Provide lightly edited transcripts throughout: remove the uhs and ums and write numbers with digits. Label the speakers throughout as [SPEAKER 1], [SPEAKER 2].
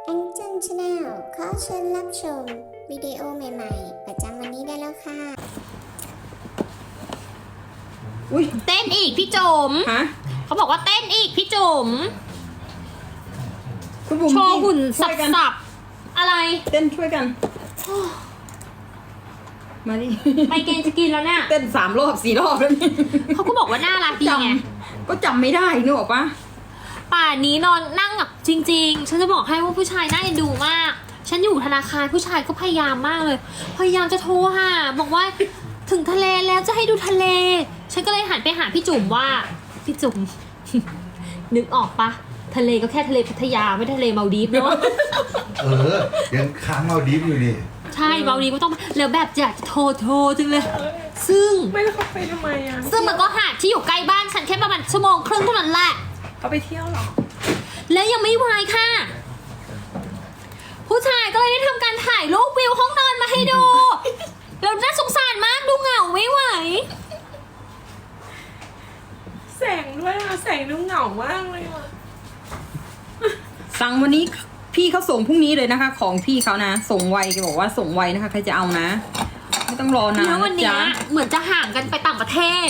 [SPEAKER 1] แองเจิลชาแนลขอเชิญรับชมวิดีโอใหม่ๆประจำวันนี้ได้แล้วค่ะ
[SPEAKER 2] อุ้ย
[SPEAKER 3] เต้นอีกพี่จุ๋ม
[SPEAKER 2] ฮะ
[SPEAKER 3] เขาบอกว่าเต้นอีกพี่จุ๋ม
[SPEAKER 2] คุณบุ๋ม
[SPEAKER 3] โชว์หุ่น
[SPEAKER 2] ช่
[SPEAKER 3] สั
[SPEAKER 2] วยกัน
[SPEAKER 3] บๆอะไร
[SPEAKER 2] เต้นช่วยกัน มาดิ
[SPEAKER 3] ไปเกณฑ์จะกินแล้วเนี่ย
[SPEAKER 2] เต้น3 รอบ 4 รอบแล้วนี่
[SPEAKER 3] เขาก็บอกว่าน่ารักดีไง
[SPEAKER 2] ก็จำไม่ได้นึกออกปะ
[SPEAKER 3] ป่านนี้นอนนั่งแบบจริงๆ ฉันจะบอกให้ว่าผู้ชายน่าเอ็นดูมาก ฉันอยู่ธนาคารผู้ชายก็พยายามมากเลย พยายามจะโทรหาบอกว่าถึงทะเลแล้วจะให้ดูทะเล ฉันก็เลยหันไปหาพี่จุ๋มว่าพี่จุ๋ม นึกออกปะทะเลก็แค่ทะเลพัทยาไม่ทะเลมาลดีฟเนาะ
[SPEAKER 4] ยังค้างเอาดิฟอยู่นี่
[SPEAKER 3] ใช่มาลดีฟก็ต้องแล้วแบบอยากจะโทรจังเลย ซึ่ง
[SPEAKER 5] ไม่แล้วเขาไปทำไมอ่ะ
[SPEAKER 3] ซึ่งมันก็หาดที่อยู่ใกล้บ้านฉันแค่ประมาณ1 ชั่วโมงเท่านั้นแหละ
[SPEAKER 5] เขาไปเที่ยวเหรอ
[SPEAKER 3] แล้วยังไม่วายค่ะ ผู้ชายก็เลยได้ทำการถ่ายรูปวิวห้องนอนมาให้ดู แล้วน่าสงสารมากดูเหงาไม่ไหว
[SPEAKER 5] แสงด้วยอ่ะ แสงดูเหงามากเลยอ่ะ
[SPEAKER 2] สั่งวันนี้พี่เขาส่งพรุ่งนี้เลยนะคะ ของพี่เขานะ ส่งไวแกบอกว่าส่งไวนะคะใครจะเอานะ ไม่ต้องรอนาน
[SPEAKER 3] แล้ววัน
[SPEAKER 2] นะ
[SPEAKER 3] เนี้ย
[SPEAKER 2] จ๊ะ
[SPEAKER 3] เหมือนจะห่างกันไปต่างประเทศ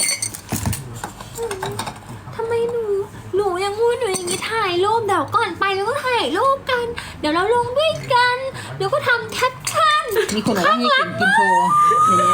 [SPEAKER 3] ทำไมหนูยังพูดอยู่อย่างนี้ถ่ายรูปเดี๋ยวก่อนไปแล้วก็ถ่ายรูปกัน เดี๋ยวเราลงด้วยกัน เดี๋ยวก็ทำแคปชั่น
[SPEAKER 2] มีคนบอกว่าให้เก่งกินโชว์ในนี้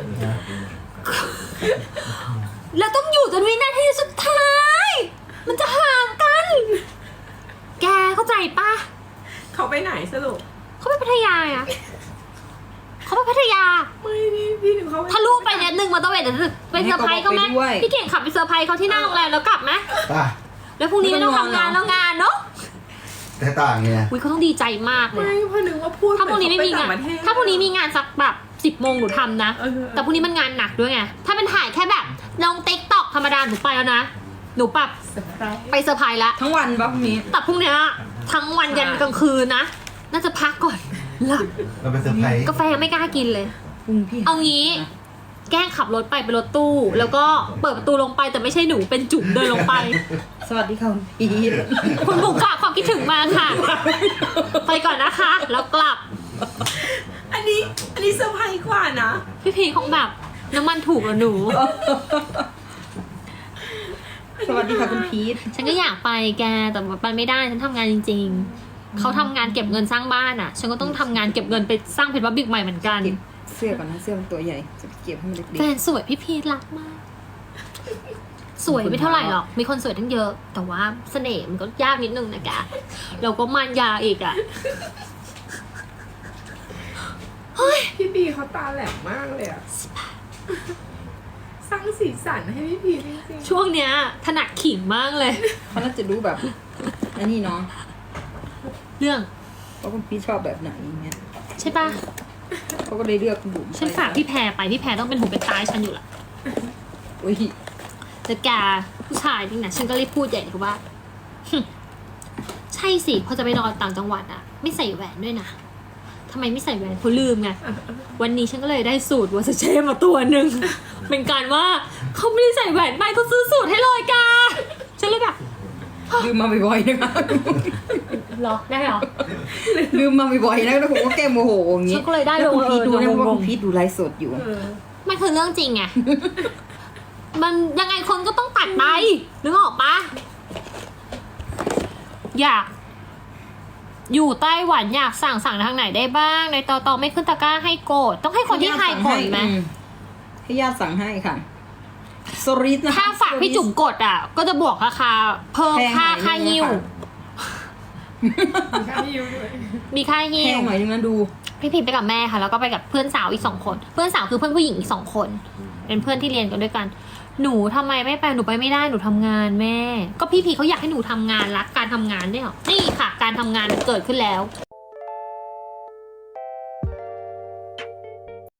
[SPEAKER 3] แล้วต้องอยู่จนวินาทีสุดท้าย มันจะห่างกัน แกเข้าใจปะ
[SPEAKER 5] เขาไปไหนสรุป
[SPEAKER 3] เขาไปพัทยาอ่ะเขาไปพัทยา
[SPEAKER 5] ไม่พี่ถึงเขา
[SPEAKER 3] ถ้าลูกไปเนี่ย1 มอเตอร์เวย์เดี๋ยวไปเซอร์ไพรส์เขาไหมพี่เก่งขับไปเซอร์ไพรส์เขาที่หน้าโรงแรมแล้วกลับไหม
[SPEAKER 4] ป่ะ
[SPEAKER 3] แล้วพรุ่งนี้ไม่ต้องทำงานแล้วงานเนาะ
[SPEAKER 4] แต่ต่างไง
[SPEAKER 3] อุ้ยเขาต้องดีใจมากเล
[SPEAKER 5] ไม่
[SPEAKER 3] ย
[SPEAKER 5] เพราะนึกว่าพูด
[SPEAKER 3] ถ้าพรุ่งนี้ไม่มีงาน ถ้าพรุ่งนี้มีงานสักแบบ10 โมงหนูทำนะ แต่พรุ่งนี้มันงานหนักด้วยไง ถ้าเป็นถ่ายแค่แบบลงติ๊กต็อกธรรมดาหนูไปแล้วนะ หนูปรับ
[SPEAKER 5] เซอร์ไพรส์
[SPEAKER 3] ไปเซอร์ไพรส์แล้ว
[SPEAKER 2] ทั้งวันปะพรุ่งนี้
[SPEAKER 3] แต่พรุ่งเนี้ยทั้งวันยันกลางคืนนะ น่าจะพักก่อนหลับ
[SPEAKER 4] เราไปเซอร์ไพรส์
[SPEAKER 3] กาแฟยังไม่กล้ากินเลย
[SPEAKER 2] พรุ่งพี่
[SPEAKER 3] เอางี้ แกล้งขับรถไปเป็นรถตู้ แล้วก็เปิดประตูลงไปแต่ไม่ใช่หนูเป็นจุ๋มเดินลงไป
[SPEAKER 2] สวัสดีค่ะคุณพีท
[SPEAKER 3] คุณบุ๋มฝากความคิดถึงมาค่ะ ไปก่อนนะคะ แล้วกลับ
[SPEAKER 5] อันนี้เซอร์ไพรส์กว่านะ
[SPEAKER 3] พี่พีคงแบบน้ำมันถูกเหรอหนู
[SPEAKER 2] สวัสดีค่ะคุณพีท
[SPEAKER 3] ฉันก็อยากไปแกแต่ไปไม่ได้ฉันทำงานจริงๆ เขาทำงานเก็บเงินสร้างบ้านอ่ะ ฉันก็ต้องทำงานเก็บเงินไปสร้างเพชรวัดบิ๊กใหม่เหมือนกัน
[SPEAKER 2] เก็บเสื้อก่อนนะเสื้อมันตัวใหญ่จะไปเก็บให้มันเล็ก
[SPEAKER 3] แฟนสวยพี่พีทรักมาก สวยไม่เท่าไหร่หรอก มีคนสวยทั้งเยอะ แต่ว่าเสน่ห์มันก็ยากนิดนึงนะแกเราก็มานยาอีกอ่ะ
[SPEAKER 5] พี่บีเขาตาแหลมมากเลยอ่ะ สร้างสีสันให้พี่พีจริงๆ
[SPEAKER 3] ช่วงเนี้ยถนัดขิงมากเลย
[SPEAKER 2] ๆเขาน่าจะรู้แบบอันนี้เนาะ
[SPEAKER 3] เรื่อง
[SPEAKER 2] ว่าคุณพีทชอบแบบไหนอย่างเงี้ย
[SPEAKER 3] ใช่ปะ
[SPEAKER 2] เขาก็เลยเลือกคุณบุ๋ม
[SPEAKER 3] ฉันฝากพี่แพรไปพี่แพรต้องเป็นหูเป็นตาให้ฉันอยู่ละ
[SPEAKER 2] อุ้ย
[SPEAKER 3] แต่แกผู้ชายจริงนะฉันก็เลยพูดใหญ่เลยว่า ใช่สิพอจะไปนอนต่างจังหวัดอะไม่ใส่แหวนด้วยนะทำไมไม่ใส่แหวนเพราะลืมไงวันนี้ฉันก็เลยได้สูตรวอสเช่มาตัวหนึ่ง เป็นการว่าเขาไม่ได้ใส่แหวนไปเขาซื้อสูตรให้เลยกาฉันเลยแบบ
[SPEAKER 2] ลืมมาบ่อยๆนะคะ
[SPEAKER 3] เหรอได้เหรอ
[SPEAKER 2] ลืมมาบ่อยๆนะแล้วผมก็แก้โมโหอย่างงี้
[SPEAKER 3] ฉันก็เลยได้
[SPEAKER 2] แล้วคุณพีทดูนะ
[SPEAKER 3] งงๆ
[SPEAKER 2] ว่าคุณพีทดูไลฟ์สดอยู่
[SPEAKER 3] มันคือเรื่องจริงไง มันยังไงคนก็ต้องตัดไปนึกออกปะอยาก อยู่ไต้หวันอยากสั่งทางไหนได้บ้าง ในตอไม่ขึ้นตะกร้าให้โกดต้องให้คนที่ไทยกดไหม
[SPEAKER 2] ให้ญาติสั่งให้ค่ะสริสนะคะ
[SPEAKER 3] ถ้าฝากพี่จุ๋มกดอ่ะ ก็จะบวกราคาเพิ่ม
[SPEAKER 2] แพงหน่อย
[SPEAKER 3] ค่าหิ้ว
[SPEAKER 2] นึงนะคะ
[SPEAKER 5] มีค่าฮิวด้วย
[SPEAKER 3] มีค่าหิ้
[SPEAKER 2] แพ
[SPEAKER 3] ว
[SPEAKER 2] งหน่อยนึงนะดู
[SPEAKER 3] พี่พิมไปกับแม่ค่ะ แล้วก็ไปกับเพื่อนสาวอีก2 คน เพื่อนสาวคือเพื่อนผู้หญิงอีก2 คน เป็นเพื่อนที่เรียนกันด้วยกัน หนูทำไมไม่ไปหนูไปไม่ได้หนูทำงานแม่ ก็พี่พีเขาอยากให้หนูทำงานรักการทำงานด้วยเหรอนี่ค่ะ การทำงานมันเกิดขึ้นแล้ว